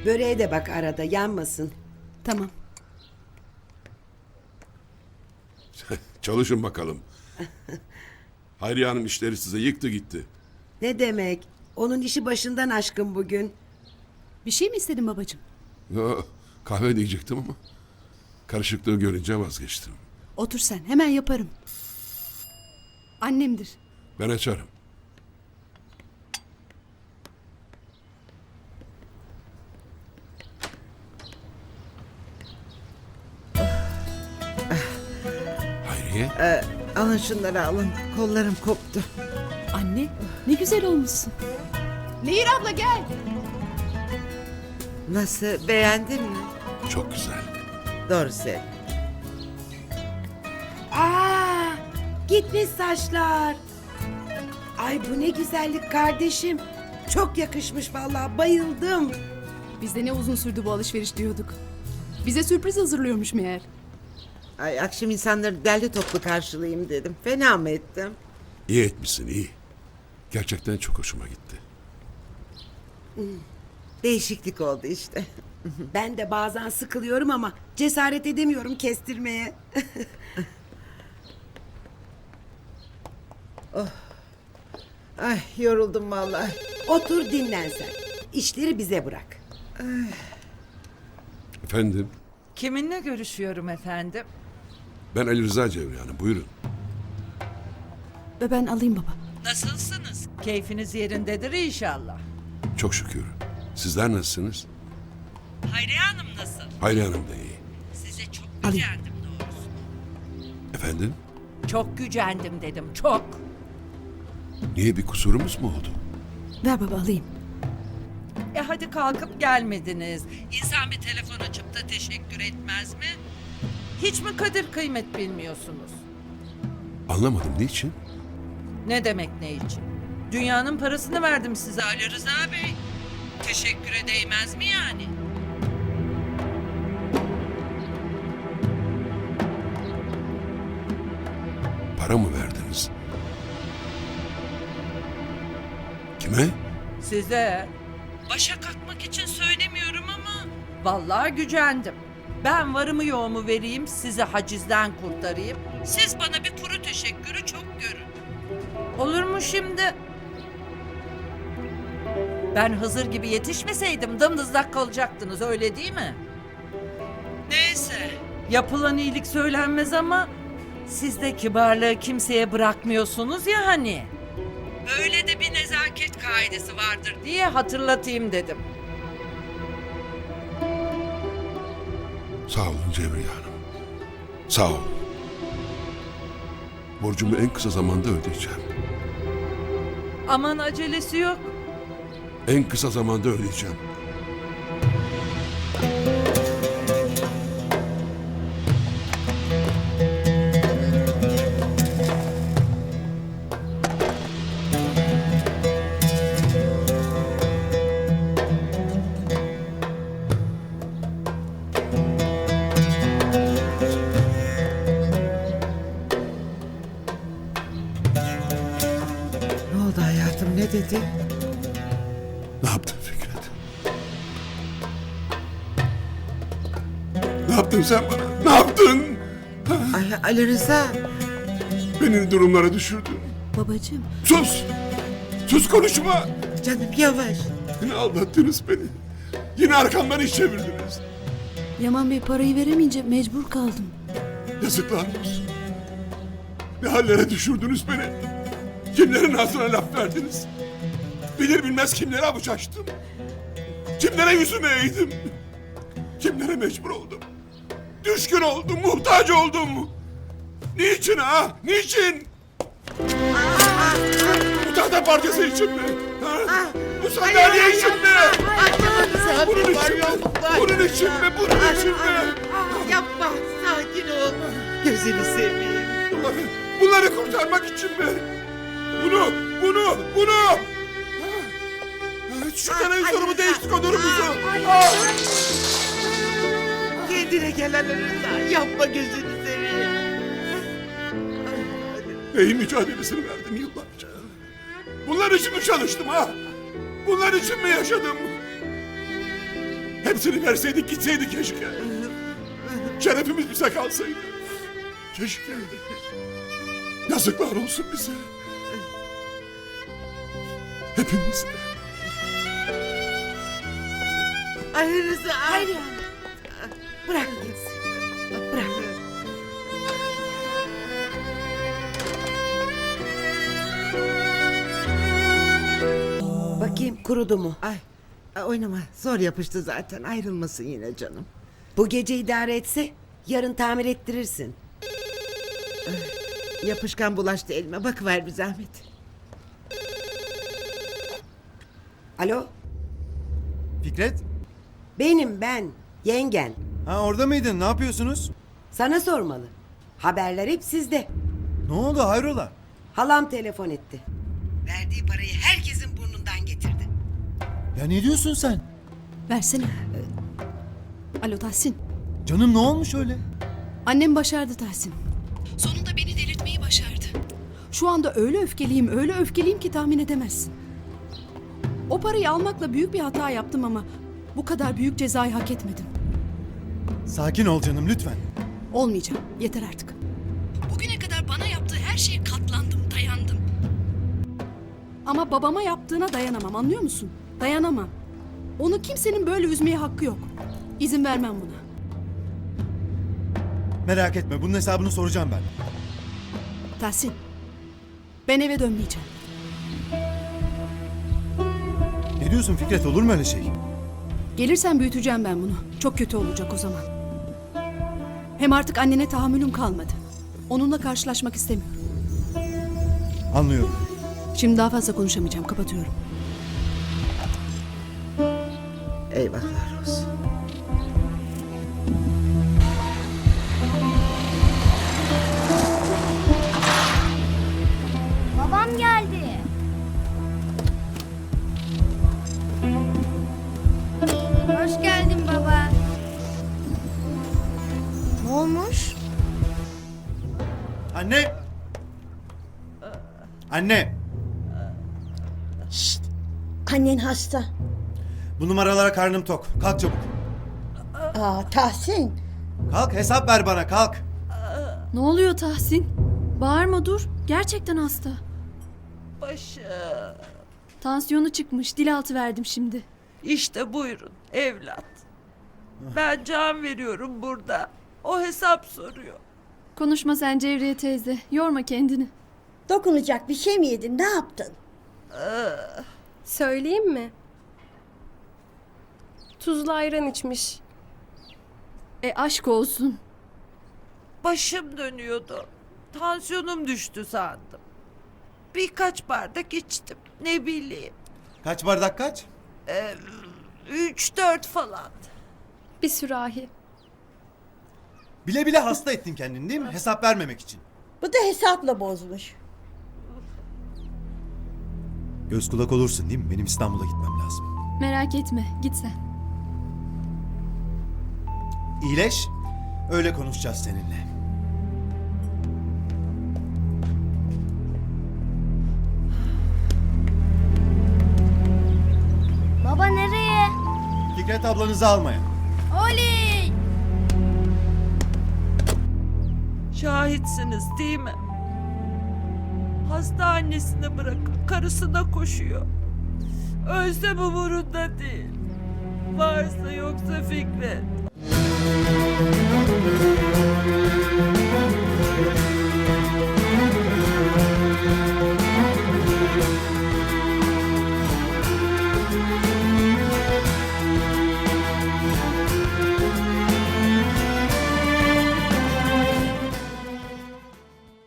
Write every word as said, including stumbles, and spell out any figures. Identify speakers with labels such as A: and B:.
A: Böreğe de bak arada, yanmasın.
B: Tamam.
C: Çalışın bakalım. Hayriye Hanım işleri size yıktı gitti.
A: Ne demek? Onun işi başından aşkın bugün.
B: Bir şey mi istedin babacığım?
C: Yo, kahve diyecektim ama karışıklığı görünce vazgeçtim.
B: Otur sen, hemen yaparım. Annemdir.
C: Ben açarım. Hayriye,
D: Alın şunları alın. Kollarım koptu.
B: Anne, ne güzel olmuşsun. Nehir abla gel.
D: Nasıl, beğendin mi?
C: çok güzel.
D: Doğru söyle.
A: Aa, gitmiş saçlar. Ay bu ne güzellik kardeşim. Çok yakışmış vallahi, bayıldım.
B: Biz de ne uzun sürdü bu alışveriş diyorduk. Bize sürpriz hazırlıyormuş meğer.
D: Ay, akşam insanları derli toplu karşılayayım dedim. Fena mı ettim?
C: İyi etmişsin, iyi. Gerçekten çok hoşuma gitti.
D: Değişiklik oldu işte.
A: Ben de bazen sıkılıyorum ama cesaret edemiyorum kestirmeye.
D: Ay, yoruldum vallahi.
A: Otur dinlen sen. İşleri bize bırak.
C: Efendim,
E: Kiminle görüşüyorum efendim?
C: ben Ali Rıza Cevriye Hanım, buyurun.
B: Ve ben alayım baba.
E: Nasılsınız? Keyfiniz yerindedir inşallah.
C: Çok şükür. Sizler nasılsınız?
E: Hayriye Hanım nasıl?
C: Hayriye Hanım da iyi.
E: Size çok
B: Alayım.
E: gücendim doğrusu.
C: Efendim,
E: Çok gücendim dedim, çok.
C: niye, bir kusurumuz mu oldu?
B: Ver baba alayım.
E: E hadi kalkıp gelmediniz. İnsan bir telefon açıp da teşekkür etmez mi? Hiç mi kadir kıymet bilmiyorsunuz?
C: Anlamadım, niçin?
E: Ne demek ne için? Dünyanın parasını verdim size Ali Rıza Bey. Teşekküre değmez mi yani?
C: Para mı verdiniz? Kime?
E: Size. Başa kalkmak için söylemiyorum ama... Vallahi gücendim. Ben varımı yoğumu vereyim, sizi hacizden kurtarayım. Siz bana bir kuru teşekkürü çok görün. Olur mu şimdi? Ben Hızır gibi yetişmeseydim dımdızlak kalacaktınız, öyle değil mi? Neyse. Yapılan iyilik söylenmez ama... Siz de kibarlığı kimseye bırakmıyorsunuz ya hani. Böyle de bir nezaket kaidesi vardır diye hatırlatayım dedim.
C: Sağ olun Cevriye Hanım. Sağ olun. Borcumu en kısa zamanda ödeyeceğim.
E: Aman acelesi yok.
C: En kısa zamanda ödeyeceğim.
D: Ne oldu hayatım, ne dedi?
C: Ne yaptın Fikret? Ne yaptın sen bana? Ne yaptın?
D: Ay, Ali Rıza.
C: Beni durumlara düşürdün.
B: Babacığım.
C: Sus! Sus, konuşma!
D: Canım yavaş.
C: Yine aldattınız beni. Yine arkamdan iş çevirdiniz.
B: Yaman Bey parayı veremeyince mecbur kaldım.
C: Yazıklar olsun. Ne hallere düşürdünüz beni. Kimlerin ağzına laf verdiniz. Bilir bilmez kimlere avuç açtım. Kimlere yüzümü eğdim. Kimlere mecbur oldum. Düşkün oldum, muhtaç oldum. Niçin ha? Niçin? Bu tahta parçası için mi? Ha? Bu sandalye için mi? Bunun için mi? Bunun için mi? Bunun için mi?
D: Yapma, sakin ol. Gözünü seveyim.
C: Bunları, bunları kurtarmak için mi? Bunu, bunu, bunu! Şu televizyonumu değiştik, onurumuzu! Ah!
D: Kendine gel Ali Rıza. Yapma, gözünü seveyim.
C: Neyin mücadelesini verdim yıllarca? Bunlar için mi çalıştım ha? Bunlar için mi yaşadım? Hepsini verseydik gitseydik keşke. Şerefimiz bize kalsaydı. Keşke. Yazıklar olsun bize. Hepimize.
D: Ay Rıza.
A: Hayır yani. Bırak gitsin. Bırak. Bakayım kurudu mu?
D: Ay, ay oynama. Zor yapıştı zaten. Ayrılmasın yine canım.
A: Bu gece idare etse yarın tamir ettirirsin.
D: Yapışkan bulaştı elime. Bakıver bir zahmet.
A: Alo,
F: Fikret?
A: benim ben, yengen.
F: Ha orada mıydın? Ne yapıyorsunuz?
A: Sana sormalı. Haberler hep sizde.
F: Ne oldu hayrola?
A: Halam telefon etti. Verdiği parayı herkesin burnundan getirdi.
F: Ya ne diyorsun sen?
B: Versene. Alo Tahsin.
F: Canım ne olmuş öyle?
B: Annem başardı Tahsin. Sonunda beni delirtmeyi başardı. Şu anda öyle öfkeliyim, öyle öfkeliyim ki tahmin edemezsin. O parayı almakla büyük bir hata yaptım ama bu kadar büyük cezayı hak etmedim.
F: Sakin ol canım lütfen.
B: Olmayacağım. Yeter artık. Bugüne kadar bana yaptığı her şeye katlandım, dayandım. Ama babama yaptığına dayanamam, anlıyor musun? Dayanamam. Onu kimsenin böyle üzmeye hakkı yok. İzin vermem buna.
F: Merak etme bunun hesabını soracağım ben.
B: Tahsin, ben eve dönmeyeceğim.
F: Ne diyorsun Fikret olur mu öyle şey?
B: Gelirsen büyüteceğim ben bunu. Çok kötü olacak o zaman. Hem artık annene tahammülüm kalmadı. Onunla karşılaşmak istemiyorum.
F: Anlıyorum.
B: Şimdi daha fazla konuşamayacağım, kapatıyorum.
D: Eyvahlar olsun.
G: Babam geldi. Hoş geldin baba. Ne olmuş?
F: Anne! Anne!
H: Annen hasta.
F: Bu numaralara karnım tok. Kalk çabuk.
H: Aa, Tahsin.
F: Kalk hesap ver bana kalk.
I: Ne oluyor Tahsin? Bağırma dur. Gerçekten hasta.
E: Başım.
I: Tansiyonu çıkmış. Dil altı verdim şimdi.
E: İşte buyurun evlat. Ben can veriyorum burada. O hesap soruyor.
I: Konuşma sen Cevriye teyze. Yorma kendini.
H: Dokunacak bir şey mi yedin? Ne yaptın?
J: Söyleyeyim mi? Tuzlu ayran içmiş.
I: E aşk olsun.
E: Başım dönüyordu. Tansiyonum düştü sandım. Birkaç bardak içtim. Ne bileyim.
F: Kaç bardak kaç?
E: Üç dört falan.
J: Bir sürahi.
F: Bile bile hasta ettin kendini değil mi? Hesap vermemek için.
H: Bu da hesapla bozmuş.
F: Göz kulak olursun değil mi? Benim İstanbul'a gitmem lazım.
I: Merak etme. Git sen.
F: İyileş. Öyle konuşacağız seninle.
G: Baba nereye?
F: Fikret ablanızı almaya.
G: Oley!
E: Şahitsiniz değil mi? Hasta annesini bırakıp karısına koşuyor. Ölse bu umurunda değil. Varsa yoksa Fikret.